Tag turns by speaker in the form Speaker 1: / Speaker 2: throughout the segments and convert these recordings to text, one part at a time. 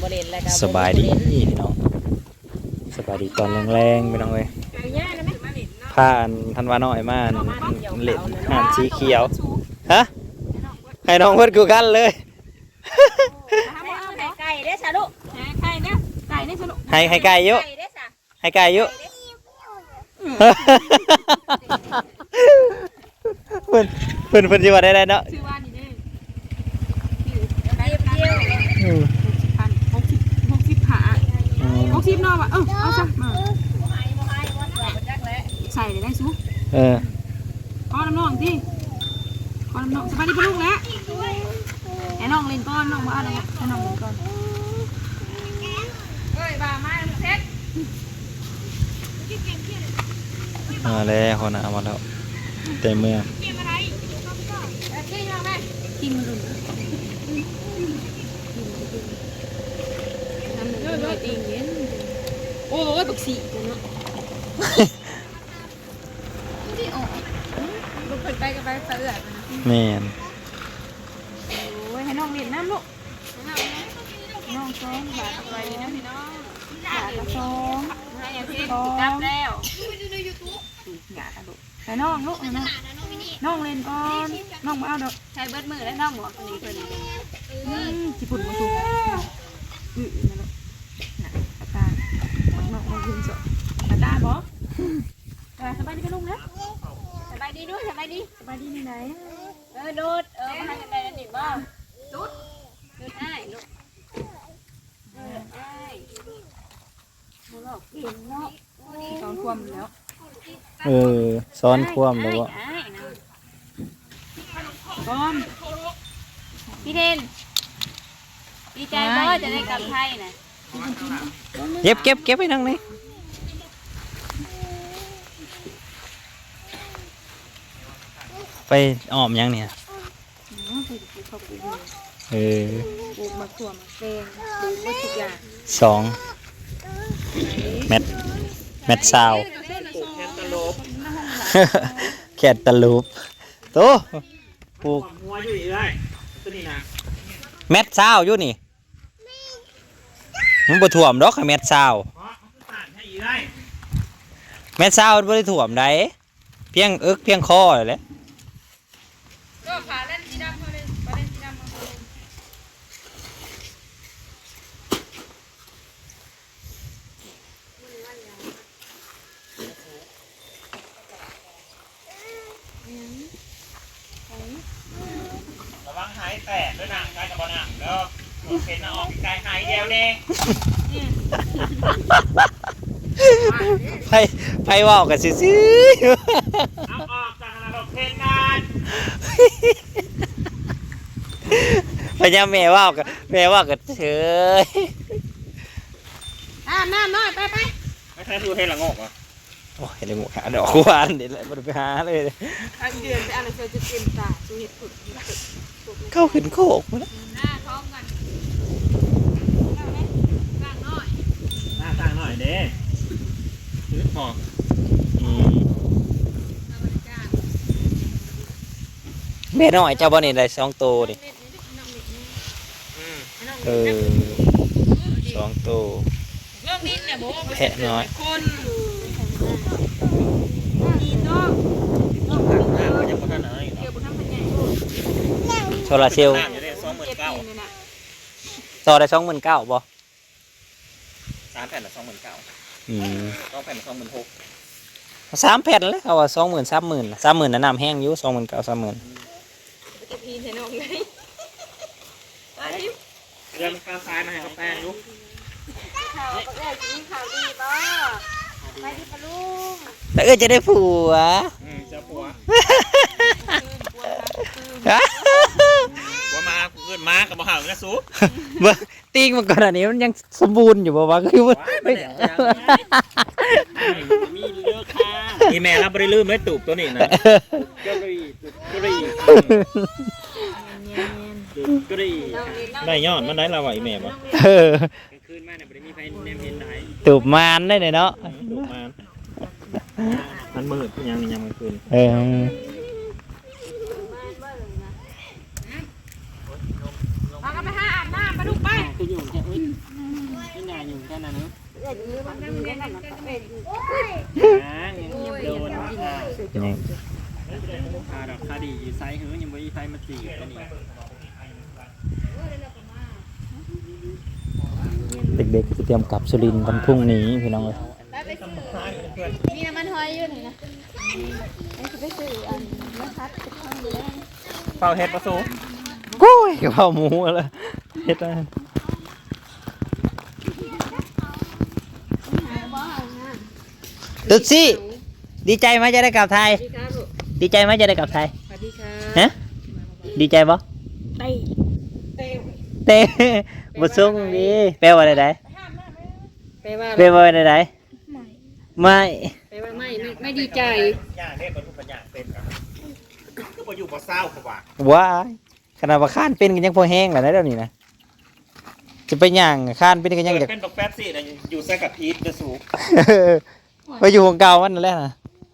Speaker 1: บ่เล่นแล้วก็
Speaker 2: สบายดีพี่น้องสบายดีตอนแรงๆพี่น้องเอ้ยผ่านทันวาน้อยมาเล่นหานสีเขียวฮะให้น้องเพิ่นกูกันเลย
Speaker 1: ไก่เด้อซะลูกไก่เด้อไก่เด้อซะลูก
Speaker 2: ให้ไก่เยอะให้ไก่เยอะเพิ่นสิว่าได้เนาะ
Speaker 1: ชื่อว่านี่เด้อ60นอกว่ะเอาซะมาใส่ได้ซุก้อนน้ำน้องที่ก้อนน้ำน้องสบายดีปะลูกแล้วไอ้น้องเล่นก้อนน้องมาอะไรไอ้น้องเล่นก้อนเฮ้ยบ้าไม้เพชร
Speaker 2: มาแล้วคนน่ะเอามาแล้วเต็มเมือง
Speaker 1: กินอะไรกินอะไรกินมันดุน้ำมันก็เองเย็นโอ้ยบักสีเนาะที่ออกลูกเปิดไปกับไปเสือ
Speaker 2: แม่น
Speaker 1: โอ้ยให้น้องเล่นน้ำลูกน้องซ้อมบาดไปนะพี่น้องบาดละซ้อมจับแล้วหยาดลูกแต่น้องลูกนะน้องเล่นก่อนน้องมาเอาดอกใช้เบิดมือแล้วน้องหมวกตัวนี้ตัวนี้ญี่ปุ่นมาถูกนะลูกตาน้องมายืนสดตาบอสบายดีกันลุงนะสบายดีด้วยสบายดีนี่ไหนดูดมาให้กันได้หนิบ้างดูดได้ลูกได้มาหลอกเก่งเนาะตอนความแล้ว
Speaker 2: ซ้อนคว่ำแล้วบ่
Speaker 1: ก้อนพี่เทนดีใจบ่จะได้กลับไทยนะ
Speaker 2: เก็บไปนั่งนี่ไปอ้อมยังเนี่ย
Speaker 1: ปลูกมะขามแดงปลูกมะทุกอย่าง
Speaker 2: 2 เม็ดซาวแคทตะลูปโตปลูกหัวอยู่อีกได้ตัวนี้นะเม็ดซาวอยู่นี่มันบ่ท่วมดอกเม็ดซาวเม็ดซาวบ่ได้ท่วมได้เพียงเพียงคอแหละ
Speaker 1: ก็ผ่าเล่นสีดำมาเลยผ่าเล่นสีดำมาเลย
Speaker 3: ระวังหายแตกด้วยนางกายกับบอนังแล้วเห็นออกกายหายเดียวเอง
Speaker 2: ไผว่ากันซื่อ
Speaker 3: เอาออกจากระบบเพนนาน
Speaker 2: พญาแม่ว่ากันเฉย
Speaker 1: น้ำน้อยไป
Speaker 3: ไม่ใช่คือเห็นละงกอ่ะ
Speaker 2: โอ้ยเลยหมูหาดอกหวานเดี๋ยวเลยไปหาเลย
Speaker 1: อันเดือนไปอะไรเธอจะเต็มตาดูเห็ดผุด
Speaker 2: เข้าขึ้นโคกมาแล้ว
Speaker 1: ท้องกันกลางน้อย
Speaker 3: ต่างหน่อยเด้ซื้อพอ
Speaker 2: แม่น้อยเจ้าบ่นี่ได้2 ตัวดิ2 ตัวแพะน้อยโซลาเซลล์ต่อได้29,000บ่
Speaker 3: 3 แผ่นละ 29,0002 แผ่นละ 26,000
Speaker 2: 3 แผ่นเลยเขาว่า 20,000 30,000 30,000น่ะน้ำแห้งอยู่ 29,000 30,000
Speaker 1: พีนให้น้องเลย
Speaker 3: เรื่องข้าวซ้ายมาให้เขาแป้งลูก
Speaker 1: ข่าวก็ได้กินข่าวดีป่ะไปดีป่ะลูก
Speaker 2: แต่จะได้ผัว
Speaker 3: จะผัวมาเกินมากับบ่ห่างนะสู้
Speaker 2: ติ้งมันก่อนอันนี้มันยังสมบูรณ์อยู่บ่วะคือไม่
Speaker 3: มีเลือกค่ะนี่แม่เราไม่ได้ลืมเลยตูบตัวนี้นะก็ได้ได้ยอดมันได้ละไหวแม่บ่คืนมาเนี่ยไม่ได้มีไฟเนมเห็นไหน
Speaker 2: ตูบมานได้เลยเนาะ
Speaker 3: ตูบมานมันมืดยังมันคืน
Speaker 1: เอาไปหาอาบน้ำไปมาดูไป
Speaker 3: คืออยู่แค่อุ้ยไม่นานอยู่แค่นั้นเนาะโดน
Speaker 2: นี่
Speaker 3: คาดอกคาดีไซส์หือยังไม่ไซส์มาจีกันนี่
Speaker 2: เด็กๆจะเตรียมกลับสุรินทร์วันพรุ่งนี้พี่น้องเอ้ย
Speaker 1: มีน้ำมันหอยอยู่ไหนนะไอ้จะไปซื้ออันนะคะจะเข้าอยู่แล้ว
Speaker 3: เฝ้าเฮ็ดประสู
Speaker 2: กุ้ยกะเพราหมูอะไรเฮ็ดอะไรตุ๊ดซี่ดีใจไหมจะได้กลับไทย ดีใจไหมจะได้กลับไทย
Speaker 1: สวัสดีค่ะ
Speaker 2: ฮะดีใจปะ
Speaker 1: เต้เต้
Speaker 2: เต้บุษงดีแปลว่าอะไร
Speaker 1: แปลว่า
Speaker 2: แปลว่าอะไรไม่
Speaker 1: แปลว่าไม่ดีใจ
Speaker 3: ย่าเรียกบรรทุกปัญญาเป็นก็มาอยู่บ่เศร้าเขาว่า
Speaker 2: ว้ายขนาดว่าข้านเป็นกันยังพอแห้งแล้วนะเดี๋ยวนี้นะจะไปย่างข้านเป็นกันยังอยาก
Speaker 3: เป็นบักแป๊บสินะอยู่ใส่กับพีทจะสูง
Speaker 2: ไปอยู่ของเก่าวันนั่นแหละนะ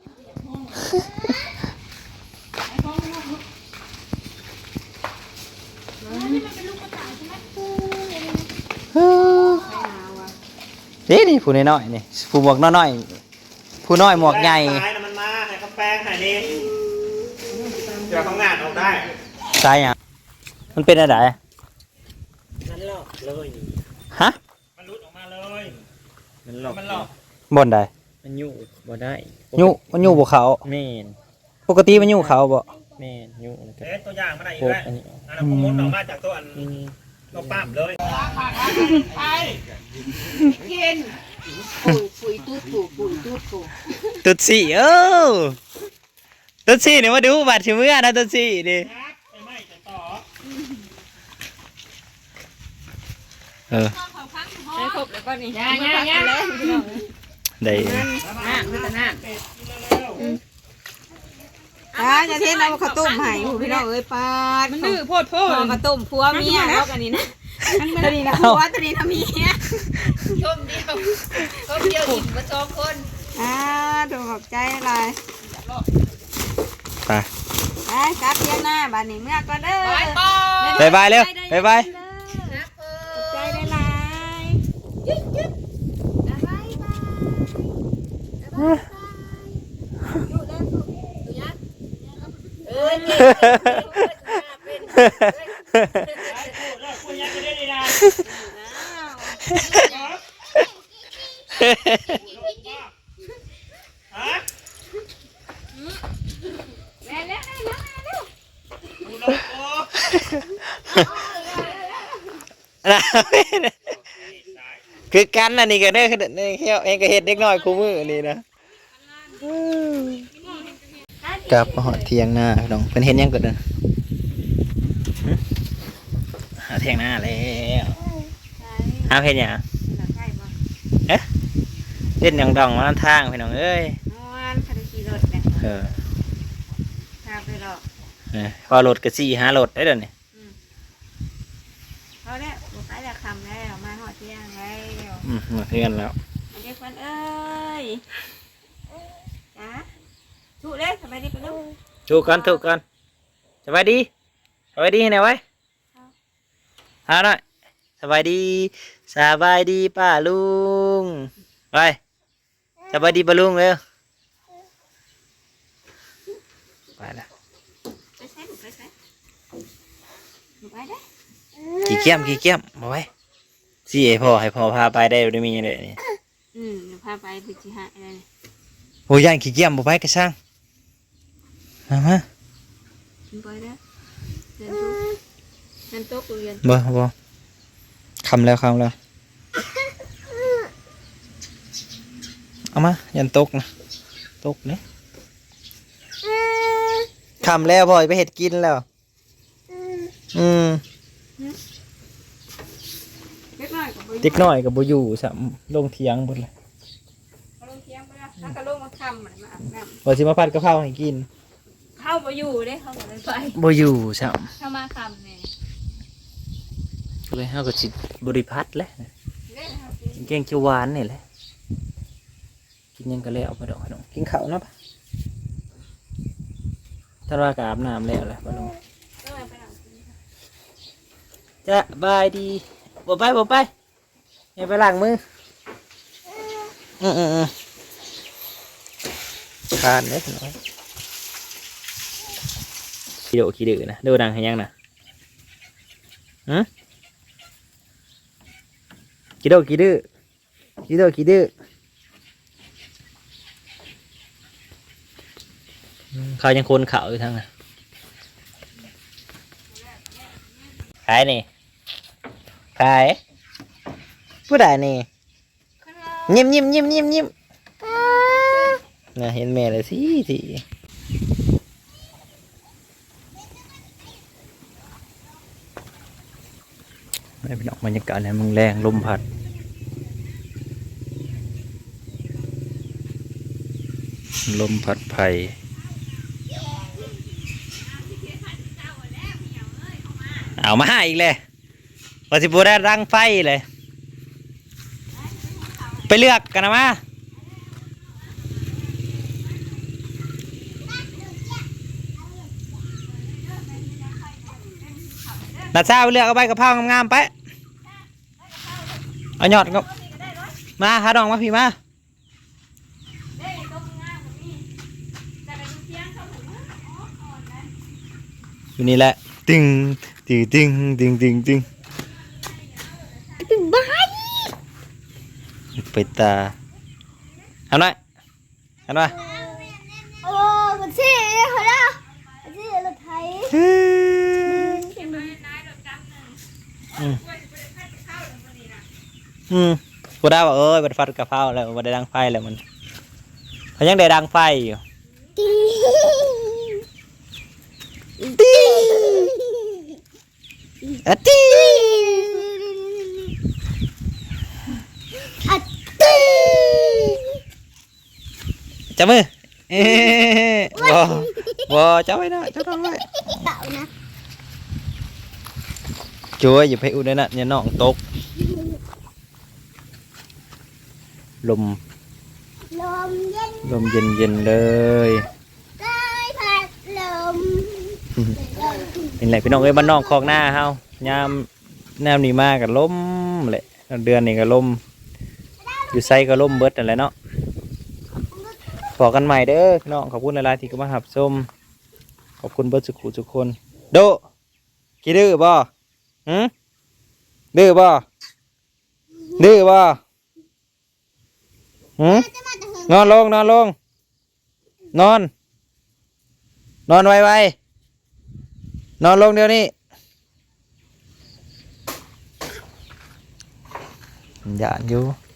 Speaker 2: นี่ผู้น้อยๆนี่ผู้หมวกน้อยๆผู้น้อยหมวกใหญ่
Speaker 3: ซ้ายมันมาให้เขาแป้งให้นี่เดี๋ยวเขางานออกได้
Speaker 2: ตายอ่ะมันเป็นอะไร
Speaker 3: มันหลอกเลย
Speaker 2: ฮะ
Speaker 3: มันรุดออกมาเลย
Speaker 4: มันหลอก
Speaker 3: มันหลอก
Speaker 2: บนใด
Speaker 4: มันอยู่บ่ได้
Speaker 2: มันอยู่บนเขา
Speaker 4: แม่น
Speaker 2: ปกติมันอยู่เขาบ่
Speaker 4: แม่นอยู่แล้วก็
Speaker 3: ตัวอย่างมาได้อีก
Speaker 4: พวก
Speaker 3: แล้ว
Speaker 4: อันนี้
Speaker 3: อันนั้นผมมุดออกมาจากตัวอัน
Speaker 4: อืม
Speaker 3: ตัวปั๊มเลย
Speaker 1: ไปกินปุ๋ยตูดปุ๋ยตูดปุ๋ย
Speaker 2: ตุ๊ดสี่ตุ๊ดสี่เนี่ยมาดูบัตรชิมือนะตุ๊ดสี่ดิ
Speaker 3: ไปไหม้จะต่อ
Speaker 1: ให้ครบแล้วก็นี่ย่าเลย
Speaker 2: ได้
Speaker 5: อย่าเทน้ำข้าวต้มให้ผู้พี่น้องเอ้ยปาด
Speaker 1: มันดื้อโพดโพ
Speaker 5: พ่อ
Speaker 1: ด
Speaker 5: ข้าวต้มผัวเมียแล้วกันนี่นะตัวนี้นะผัวตัวนี้นะเมีย
Speaker 1: ชมเดียวอิ่มมาสองคน
Speaker 5: ถูกขอบใจอะไร
Speaker 2: ไป
Speaker 5: ไปกลับเที่ยงหน้าบ้านนี้เมื่อก่อนเด้อ
Speaker 1: ไปปอ
Speaker 2: บายบายเร็วบายบาย
Speaker 5: ขอบใจได้หลายยึดยึดบ๊ายบายอยู่เด้ออยู่ยักเอ้ย
Speaker 3: คุณยังจะได้ดีนะ ฮะ
Speaker 1: แม่แล้ว
Speaker 3: ดูโลโก้
Speaker 2: คือกันอันนี้ก็ได้คือนี่เฮียเองก็เฮ็ดเด็กน้อยคู่มือนี่นะกลับมาหอดเที่ยงหน้าพี่น้องเพิ่นเห็นยังก็เด้อหาเที่ยงหน้าแล้วหาเพิ่นหยังเล่นหยังดองมาทางพี่น้องเอ้ย
Speaker 5: นอนคาราขี่รถเนี่ย
Speaker 2: เออ
Speaker 5: พาไปหรอก
Speaker 2: ว่ารถก็4 5รถได้เด้อนี่
Speaker 5: เขาเนี่ยบุกไปแล้วคำแล้วมาหอดเที่ยงแล้ว
Speaker 2: มาเพื่อนแล้ว
Speaker 5: เด็กคนเอ้ยจ้าถูกเลยสบายดีปะลูก
Speaker 2: ถูกกันสบายดีให้ไหนไว้หาหน่อยสบายดีป้าลุงไปสบายดีป้าลุงเร็วไปละ
Speaker 5: ไปใช้หนูไปใช้หนูไปได้
Speaker 2: ขี่เกี้ยมมาไว้สิให้พ่อพาไปได้ได้มีอะไรนี่
Speaker 5: หนูพาไปพิจิหะอะไร
Speaker 2: โอ้ยย่านขี่เกี้ยมบ่ไปกระช่างมา
Speaker 5: หนูไปได้เดินโต๊ะเรียน
Speaker 2: บ่คำแล้วเอามายันตกนะตกเนี่ยคำแล้วพ่อไปเห็ดกินแล้ว
Speaker 5: เล็กน้อยกับ
Speaker 2: เด็กน้อยกับบ่อยู่สัมลงเถียงหมดเลย
Speaker 5: ลงเที่ยงไปแล้วแล้วก็ลงมาคำเหมือนมาอาบน้
Speaker 2: บ่สิมาผัดกะเพราให้กิน
Speaker 5: ำเข้าไปอยู่เด้เข้าไปไป
Speaker 2: บ่อยู่สัม
Speaker 5: เข้ามาคำเนี่ย
Speaker 2: ก็เลยเฮาก็สิบริพัตรแหละ
Speaker 5: เล่นครับ
Speaker 2: กินแกงเขียวหวานนี่แหละกินหยังก็แล้วเอาไปดอกให้น้องกินข้าวเนาะปะถ้าว่าก็อาบน้ำแล้วแหละบ่น้อง
Speaker 5: ก็เลยไปหลัง
Speaker 2: จะบายดีบ่ไปอย่าไปล้างมือทานเล็กน้อยขี้ดื้อนะดูดังให้ยังนะขี้ดื้อเขายังคนเขาอยู่ทั้งนั้นขายนี่ขายผู้ใดนี่ยิ้มน่ะเห็นแม่เลยสิไม่เป็นออกบรรยากาศเนี่ยมึงแรงลมพัดไผ่เอามาอีกเลยว่าสิบูได้รังไฟเลยไปเลือกกันนะมานัดเช้าเลือกเอาใบกะเพรางามๆไปเอาหยอดก็มาหาดองมาพี่มาอยู่นี่แหละตึงไปตาทำหน่อย
Speaker 5: โอ้มันสิเขาละมันสิรถไถ
Speaker 2: กูได้ว่ามันฟัดกะเพราแล้วมันได้ดังไฟแล้วมันเขายังได้ดังไฟอยู่จับมือบ่จับไว้นะจับไว้ช่วยอย่าไปอุดนะอย่าน้องตกลมเย็นเลยเป็นไรพี่น้องบ้านนอกคลองหน้าเฮายามแนวนี้มากับลมแหละเดือนนี้ก็ลมอยู่ไซก็ลมเบิดอะไรเนาะพอกันใหม่เด้อพี่น้องขอบคุณหลายๆที่ก็มาหับส้มขอบคุณเบิดทุกคนโดขี้ดื้อบ่ดื้อบ่นอนลงนอนไวนอนลงเดี๋ยวนี้หยาดอยู่